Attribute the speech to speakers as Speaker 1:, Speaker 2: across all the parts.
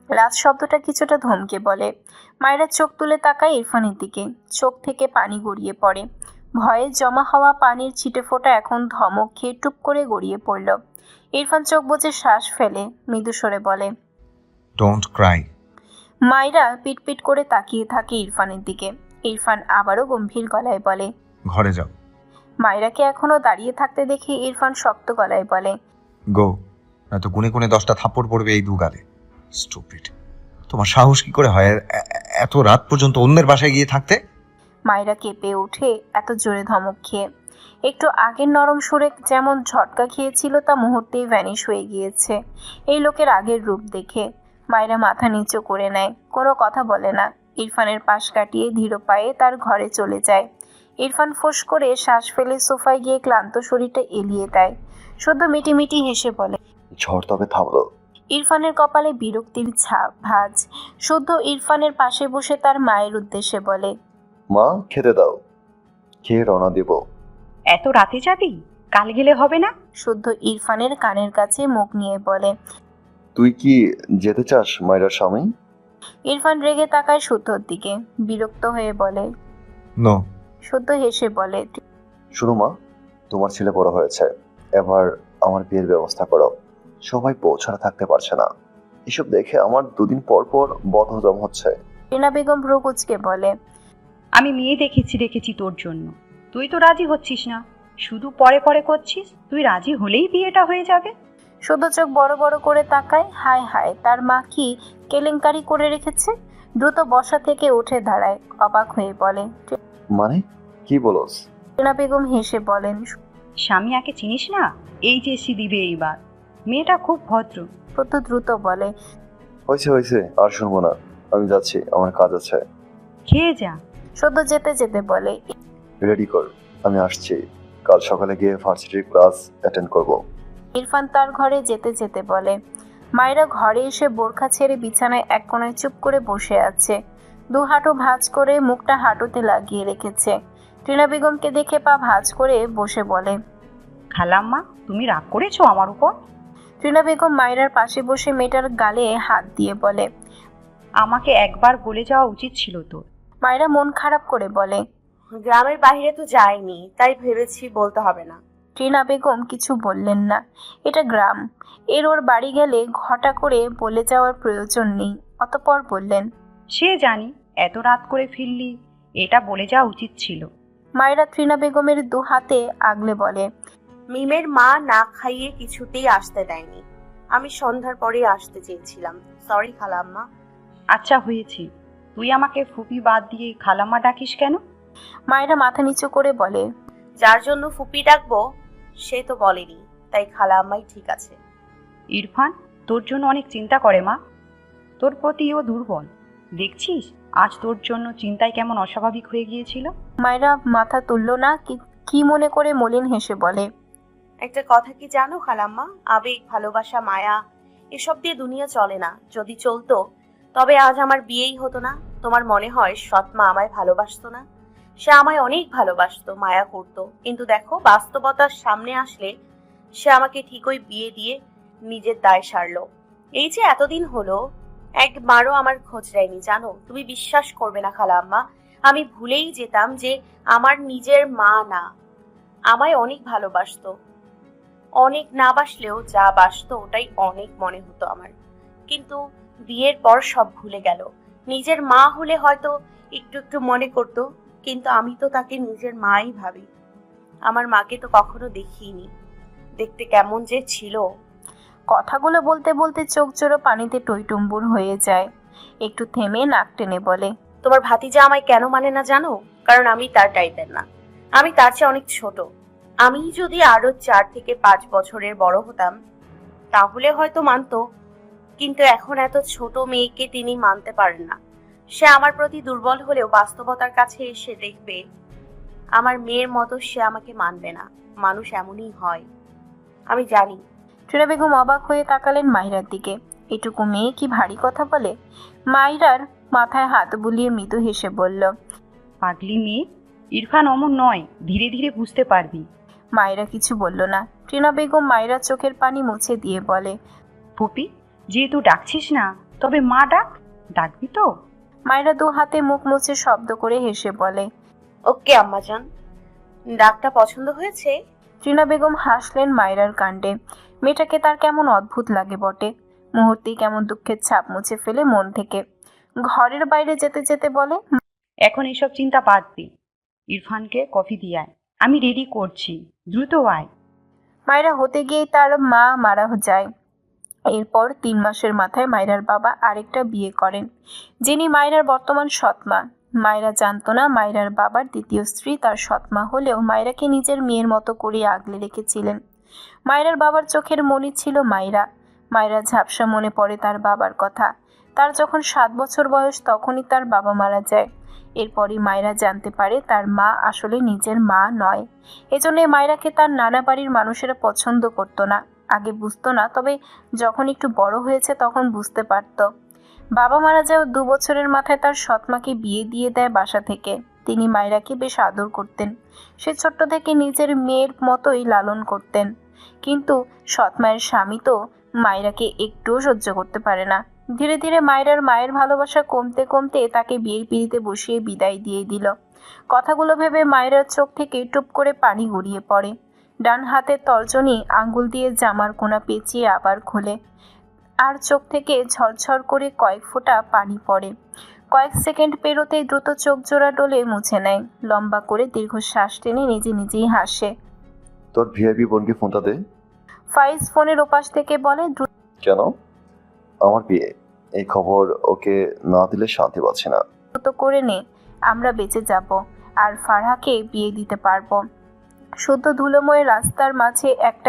Speaker 1: রাজ শব্দটা কিছুটা ধমকে বলে। মায়েরা চোখ তুলে তাকায় ইরফানের দিকে, চোখ থেকে পানি গড়িয়ে পড়ে। ভয়ে জমা হওয়া পানির ছিটে ফোঁটা এখন ধমক খেয়ে টুপ করে গড়িয়ে পড়ল। ইরফান চোখ বুজে শ্বাস ফেলে মৃদু স্বরে বলে,
Speaker 2: ডোন্ট ক্রাই।
Speaker 1: মায়েরা পিটপিট করে তাকিয়ে থাকে ইরফানের দিকে। ইরফান আবারও গম্ভীর গলায় বলে,
Speaker 2: ঘরে যাও।
Speaker 1: মায়েরাকে এখনো দাঁড়িয়ে থাকতে দেখে ইরফান শক্ত গলায় বলে,
Speaker 2: গো, নয়তো গুনে গুনে 10টা থাপ্পড় পড়বে এই দুগালে। স্টুপিড। তোমার সাহস কি করে হয় এত রাত পর্যন্ত অন্যের বাসায় গিয়ে থাকতে?
Speaker 1: মায়েরা কেঁপে ওঠে এত জোরে ধমক খেয়ে। একটু আগের নরম সুরে যেমন ঝটকা খেয়েছিল তা মুহূর্তেই ভ্যানিশ হয়ে গিয়েছে এই লোকের আগের রূপ দেখে। মায়েরা মাথা নিচু করে নেয়, কোনো কথা বলে না। ইরফানের পাশ কাটিয়ে ধীর পায়ে তার ঘরে চলে যায়। ইরফান ফোঁস করে শ্বাস ফেলে সোফায় গিয়ে ক্লান্ত শরীরটা এলিয়ে দেয়। শুধু মিটিমিটি হেসে বলে,
Speaker 3: ঝড় তবে থামলো।
Speaker 1: ইরফানের কপালে বিরক্তির ভাঁজ। শুদ্ধ ইরফানের পাশে বসে তার মায়ের উদ্দেশ্যে বলে,
Speaker 3: মা, খেতে দাও, খেয়ে রওনা দেব।
Speaker 4: এত রাতে যাবি? কাল গেলে হবে না?
Speaker 1: শুদ্ধ ইরফানের কানের কাছে মুখ নিয়ে বলে।
Speaker 3: তুই কি যেতে চাস মায়ের স্বামী?
Speaker 1: ইরফান রেগে তাকায় শুদ্ধর দিকে, বিরক্ত হয়ে বলে।
Speaker 2: নো।
Speaker 1: শুদ্ধ হেসে বলে,
Speaker 3: শুনো মা, তোমার ছেলে বড় হয়েছে, এবার আমার বিয়ের ব্যবস্থা করো। সবাই পৌঁছানো থাকতে পারছে না, এসব দেখে আমার দুদিন পর পর বদহজম হচ্ছে।
Speaker 1: রিনা বেগম ভ্রু কুঁচকে বলে,
Speaker 4: আমি মেয়ে দেখেছি তোর জন্য, তুই তো রাজি হচ্ছিস না, শুধু পরে পরে করছিস। তুই রাজি হলেই বিয়েটা হয়ে যাবে।
Speaker 1: শুদ্ধ চোখ বড় বড় করে তাকায়। হায় হায়, তার মা কি কেলেঙ্কারি করে রেখেছে। দ্রুত বসা থেকে উঠে দাঁড়ায়, অবাক হয়ে বলে।
Speaker 3: মানে কি বলস?
Speaker 1: রিনা বেগম হেসে বলেন,
Speaker 4: স্বামী আগে চিনিস না? এইচএসসি দিবে এইবার। মেয়েটা খুব ভদ্র।
Speaker 1: শুদ্ধ দ্রুত বলে,
Speaker 3: হয়েছে হয়েছে, আর শুনবো না, আমি যাচ্ছি, আমার কাজ আছে।
Speaker 4: খেয়ে যা।
Speaker 1: শুদ্ধ যেতে যেতে বলে,
Speaker 3: রেডি কর, আমি আসছি। কাল সকালে গিয়ে ভার্সিটির ক্লাস অ্যাটেন্ড করব।
Speaker 1: ইরফান তার ঘরে যেতে যেতে বলে। মায়েরা ঘরে এসে বোরখা ছেড়ে বিছানায় এক কোণায় চুপ করে বসে আছে। দু হাঁটু ভাঁজ করে মুখটা হাঁটুতে লাগিয়ে রেখেছে। টিনা বেগমকে দেখে পা ভাঁজ করে বসে বলে,
Speaker 4: খালাম্মা, তুমি রাগ করেছো আমার উপর?
Speaker 1: টিনা বেগম মায়েরার পাশে বসে মেয়েটার গালে হাত দিয়ে বলে,
Speaker 4: আমাকে একবার বলে যাওয়া উচিত ছিল তোর।
Speaker 1: মায়েরা মন খারাপ করে বলে,
Speaker 5: গ্রামের বাইরে তো যাইনি, তাই ভেবেছি বলতে হবে না।
Speaker 1: টিনা বেগম কিছু বললেন না। এটা গ্রাম, ওর বাড়ি গেলে ঘটা করে বলে যাওয়ার প্রয়োজন নেই। অতঃপর বললেন,
Speaker 4: সে জানি, এত রাত করে ফিরলি, এটা বলে যাওয়া উচিত ছিল।
Speaker 1: মায়েরা ত্রিনা বেগমের দু হাতে আগলে বলে,
Speaker 5: মিমের মা না খাইয়ে কিছুতেই আসতে দেয়নি। আমি সন্ধ্যার পরে আসতে চেয়েছিলাম। সরি খালাম্মা।
Speaker 4: আচ্ছা হয়েছে, তুই আমাকে ফুপি বাদ দিয়ে খালাম্মা ডাকিস কেন?
Speaker 1: মায়েরা মাথা নিচু করে বলে,
Speaker 5: যার জন্য ফুপি ডাকবো সে তো বলেনি, তাই খালাম্মাই ঠিক আছে।
Speaker 4: ইরফান তোর জন্য অনেক চিন্তা করে মা, তোর প্রতি ও দুর্বল। দেখছিস আজ তোর জন্য চিন্তায় কেমন অস্বাভাবিক হয়ে গিয়েছিল।
Speaker 1: মায়েরা মাথা তুলল না, কি মনে করে মলিন হেসে বলে,
Speaker 5: একটা কথা কি জানো খালাম্মা, আবেগ, ভালোবাসা, মায়া এসব দিয়ে দুনিয়া চলে না। যদি চলতো তবে আজ আমার বিয়েই হতো না। তোমার মনে হয় সৎমা আমায় ভালোবাসতো না? সে আমায় অনেক ভালোবাসতো, মায়া করতো, কিন্তু দেখো বাস্তবতার সামনে আসলে সে আমাকে ঠিকই বিয়ে দিয়ে নিজের দায় সারলো। এই যে এতদিন হলো একবারও আমার খোঁজ নেয়নি, জানো? তুমি বিশ্বাস করবে না খালাম্মা, আমি ভুলেই যেতাম যে আমার নিজের মা না। আমায় অনেক ভালোবাসতো, অনেক না বাসলেও যা বাসতো ওটাই অনেক মনে হতো আমার। কিন্তু বিয়ের পর সব ভুলে গেল। নিজের মা হলে হয়তো একটু একটু মনে করতো, কিন্তু আমি তো তাকে নিজের মাই ভাবি। আমার মাকে তো কখনো দেখিনি, দেখতে কেমন যে ছিল।
Speaker 1: কথাগুলো বলতে বলতে চোখ জোড়ো পানিতে টইটুম্বুর হয়ে যায়। একটু থেমে নাক টেনে বলে,
Speaker 5: তোমার ভাতিজা আমায় কেন মানে না জানো? কারণ আমি তার টাইপের না, আমি তার চেয়ে অনেক ছোট। আমি যদি আরো 4 থেকে 5 বছরের বড় হতাম তাহলে হয়তো মানতো, কিন্তু এখন এত ছোট মেয়েকে তিনি মানতে পারেন না। সে আমার প্রতি দুর্বল হলেও বাস্তবতার কাছে এসে দেখবে আমার মেয়ের মতো সে আমাকে মানবে না। মানুষ এমনই হয়, আমি জানি।
Speaker 1: টিনা বেগম অবাক হয়ে তাকালেন মাহিরার দিকে। এটুকু মেয়ে কি ভারী কথা বলে? মাহিরার মাথায় হাত বুলিয়ে মৃদু হেসে বলল,
Speaker 4: পাগলি মেয়ে, ইরফান অমন নয়, ধীরে ধীরে বুঝতে পারবি।
Speaker 1: মায়েরা কিছু বলল না। টিনা বেগম মায়েরার চোখের পানি মুছে দিয়ে বলে,
Speaker 4: ফুপি, যেহেতু ডাকছিস না তবে মা ডাকবি তো?
Speaker 1: মায়েরা দু হাতে মুখ মুছে শব্দ করে হেসে বলে।
Speaker 5: ওকে আম্মাজান, ডাকটা পছন্দ হয়েছে?
Speaker 1: ত্রিনা বেগম হাসলেন মায়রার কাণ্ডে। মেয়েটাকে তার কেমন অদ্ভুত লাগে বটে। মুহূর্তেই কেমন দুঃখের ছাপ মুছে ফেলে মন থেকে। ঘরের বাইরে যেতে যেতে বলে,
Speaker 4: এখন এসব চিন্তা বাদ দি, ইরফানকে কফি দিয়ে আয়, আমি রেডি করছি, দ্রুত আয়।
Speaker 1: মায়েরা হতে গিয়েই তার মা মারা যায়। এরপর 3 মাসের মাথায় মায়রার বাবা আরেকটা বিয়ে করেন, যিনি মায়রার বর্তমান সৎমা। মায়রা জানতো না মায়রার বাবার দ্বিতীয় স্ত্রী তার সৎমা হলেও মায়রাকে নিজের মেয়ের মতো করে আগলে রেখেছিলেন। মায়রার বাবার চোখের মণি ছিল মায়রা। মায়রা ঝাপসা মনে পড়ে তার বাবার কথা। তার যখন 7 বছর বয়স তখনই তার বাবা মারা যায়। এরপরই মায়রা জানতে পারে তার মা আসলে নিজের মা নয়। এজন্য মায়রাকে তার নানা বাড়ির মানুষেরা পছন্দ করতো না। আগে বুঝতো না, তবে যখন একটু বড় হয়েছে তখন বুঝতে পারত। বাবা মারা যাওয়ার 2 বছরের মাথায় তার সৎমাকে বিয়ে দিয়ে দেয় বাসা থেকে। তিনি মায়রাকে বেশ আদর করতেন। সে ছোট্ট থেকে নিজের মেয়ের মতোই লালন করতেন। কিন্তু সৎমায়ের স্বামী তো মায়রাকে একটুও সহ্য করতে পারে না। ধীরে ধীরে মায়রার মায়ের ভালোবাসা কমতে কমতে তাকে বিয়ের পিঁড়িতে বসিয়ে বিদায় দিয়ে দিল। কথাগুলো ভেবে মায়রার চোখ থেকে টুপ করে পানি গড়িয়ে পড়ে। ডান হাতের তর্জনী আঙ্গুল দিয়ে জামার কোনা পেঁচিয়ে আবার খোলে, আর চোখ থেকে ঝরঝর করে কয়েক ফোঁটা পানি পড়ে। কয়েক সেকেন্ড পেরোতেই দ্রুত চোখ জোড়া ডলে মুছে নেয়। লম্বা করে দীর্ঘশ্বাস টেনে নিজে নিজেই হাসে।
Speaker 3: তোর ভিআইপি বোনকে ফোনটা দে।
Speaker 1: ফাইজ ফোনের ওপাশ থেকে বলে,
Speaker 3: কেন? আমার বিয়ে, এই খবর ওকে না দিলে শান্তি পাচ্ছি না।
Speaker 1: দ্রুত করে নে, আমরা বেঁচে যাব আর ফারহাকে বিয়ে দিতে পারবো। শুদ্ধ ধুলোময় রাস্তার মাঝে একটা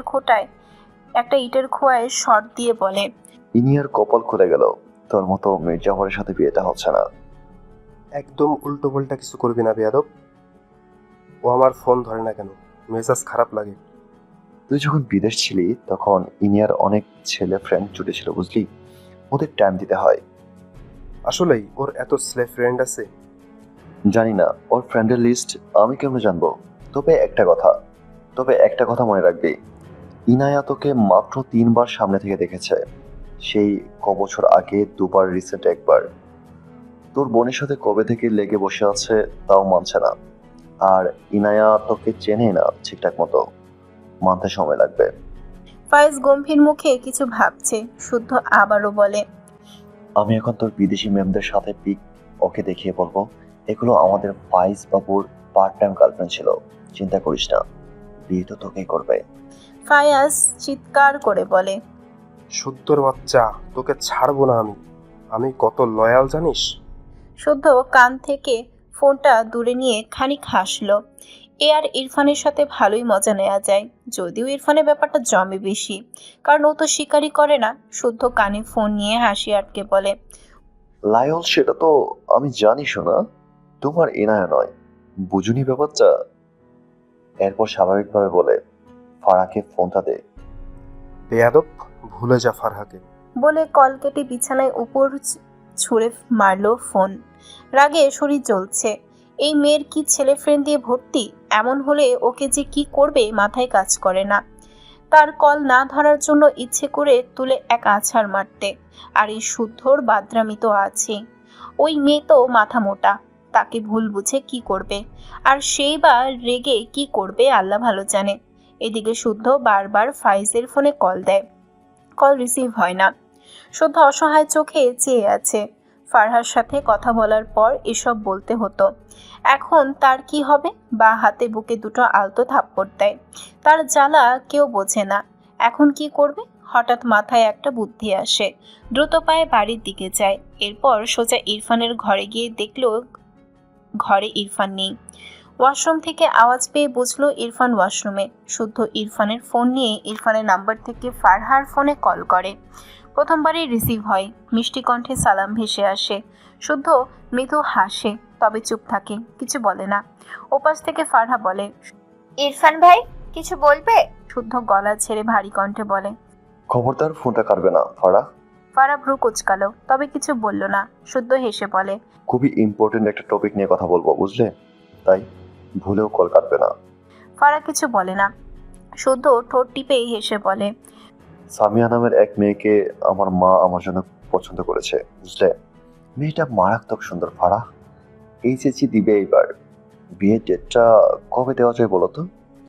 Speaker 1: ইটের খোয়ায় শর্ট দিয়ে বলে,
Speaker 3: ইনিয়ার কপাল খুলে গেল, তোর মতো মির্জাফরের সাথে বিয়েটা হচ্ছে না।
Speaker 6: একদম উল্টো পাল্টা কিছু করবি না বেয়াদব। ও আমার ফোন ধরে না কেন? মেজাজ খারাপ লাগে।
Speaker 3: তুই যখন বিদেশ ছিলি তখন ইনিয়ার অনেক ছেলে ফ্রেন্ড জুটেছিল, বুঝলি? ওদের টাইম দিতে হয়।
Speaker 6: আসলেই ওর এত ছেলে ফ্রেন্ড আছে?
Speaker 3: জানি না, ওর ফ্রেন্ডের লিস্ট আমি কেমন জানবো? তবে একটা কথা মনে রাখবি, ইনায়া তোকে মাত্র 3 বার সামনে থেকে দেখেছে। সেই বছর আগে 2 বার, রিসেন্ট 1 বার। তোর বোনের সাথে কবে থেকে লেগে বসে আছে তাও মানছে না। আর ইনায়া তোকে চেনে না ঠিকঠাক মতো, মানতে সময় লাগবে।
Speaker 1: ফাইজ গম্ভীর মুখে কিছু ভাবছে। শুদ্ধ আবারও বলে,
Speaker 3: আমি এখন তোর বিদেশি ম্যামদের সাথে পিক ওকে দেখিয়ে বলবো এগুলো আমাদের ফাইজ বাবুর পার্ট টাইম গার্লফ্রেন্ড ছিল। চিন্তা করিস না, বিয়ে তো তোকেই করবে।
Speaker 1: ফায়াজ চিৎকার করে বলে,
Speaker 6: শুদ্ধর বাচ্চা, তোকে ছাড়বো না আমি। আমি কত লয়াল জানিস?
Speaker 1: শুদ্ধ কান থেকে ফোনটা দূরে নিয়ে খানিক হাসলো। এ আর ইরফানের সাথে ভালোই মজা নেওয়া যায়, যদিও ইরফানের ব্যাপারটা জমে বেশি, কারণ ও তো স্বীকারই করে না। শুদ্ধ কানে ফোন নিয়ে হাসি আটকে বলে,
Speaker 3: লায়ল, সেটা তো আমি জানি শোনা, তোমার এনায়া নয়, বুঝুনি ব্যাপারটা। এরপর স্বাভাবিকভাবে বলে, ফারাকে ফোনটা দে।
Speaker 6: বেয়াদব, ভুলে যা ফারহাকে।
Speaker 1: বলে কল কেটে বিছানায় উপর ছুঁড়ে মারলো ফোন। রাগে শরীর জ্বলছে। এই মেয়ের কি ছেলে ফ্রেন্ড দিয়ে ভর্তি? এমন হলে ওকে যে কি করবে মাথায় কাজ করে না। তার কল না ধরার জন্য ইচ্ছে করে তুলে এক আছাড় মারতে। আর এই শুদ্ধর বাদরামি তো আছে। ওই মেয়ে তো মাথা মোটা, তাকে ভুল বুঝে কি করবে, আর সেই বা রেগে কি করবে আল্লাহ ভালো জানে। এদিকে শুদ্ধ বারবার ফাইজের ফোনে কল দেয়, কল রিসিভ হয় না। শুদ্ধ অসহায় চোখে চেয়ে আছে। ফারহার সাথে কথা বলার পর এসব বলতে হতো। এখন তার কি হবে? বা হাতে বুকে দুটো আলতো থাপ্পড় দেয়। তার জ্বালা কেউ বোঝে না। এখন কি করবে? হঠাৎ মাথায় একটা বুদ্ধি আসে। দ্রুত পায়ে বাড়ির দিকে যায়। এরপর সোজা ইরফানের ঘরে গিয়ে দেখলো ঘরে ইরফান নেই। ওয়াশরুম থেকে আওয়াজ পেয়ে বুঝলো ইরফান ওয়াশরুমে। শুদ্ধ ইরফানের ফোন নিয়ে ইরফানের নাম্বার থেকে ফারহার ফোনে কল করে। প্রথমবারই রিসিভ হয়। মিষ্টি কণ্ঠে সালাম ভেসে আসে। শুদ্ধ মৃদু হাসে, তবে চুপ থাকে, কিছু বলে না। ওপাশ থেকে ফারহা বলে,
Speaker 7: ইরফান ভাই কিছু বলবে?
Speaker 1: শুদ্ধ গলা ছেড়ে ভারী কণ্ঠে বলে,
Speaker 3: খবরদার ফোনটা কাটবে না ফারা।
Speaker 1: ফারহা ভ্রু কুচকালো, তবে কিছু বলল না। শুদ্ধ হেসে বলে,
Speaker 3: খুবই ইম্পর্টেন্ট একটা টপিক নিয়ে কথা বলবো, বুঝলে? তাই ভুলেও কল কাটবে না।
Speaker 1: ফারহা কিছু বলে না। শুদ্ধ ঠোঁট টিপে হেসে বলে,
Speaker 3: সামিয়া নামের এক মেয়েকে আমার মা আমার জন্য পছন্দ করেছে, বুঝলে? মেয়েটা মারাত্মক সুন্দর ফারাহ। এই চেঁচি দিবে এইবার। বিয়ের ডেটটা কবে দেওয়া যায় বলো তো?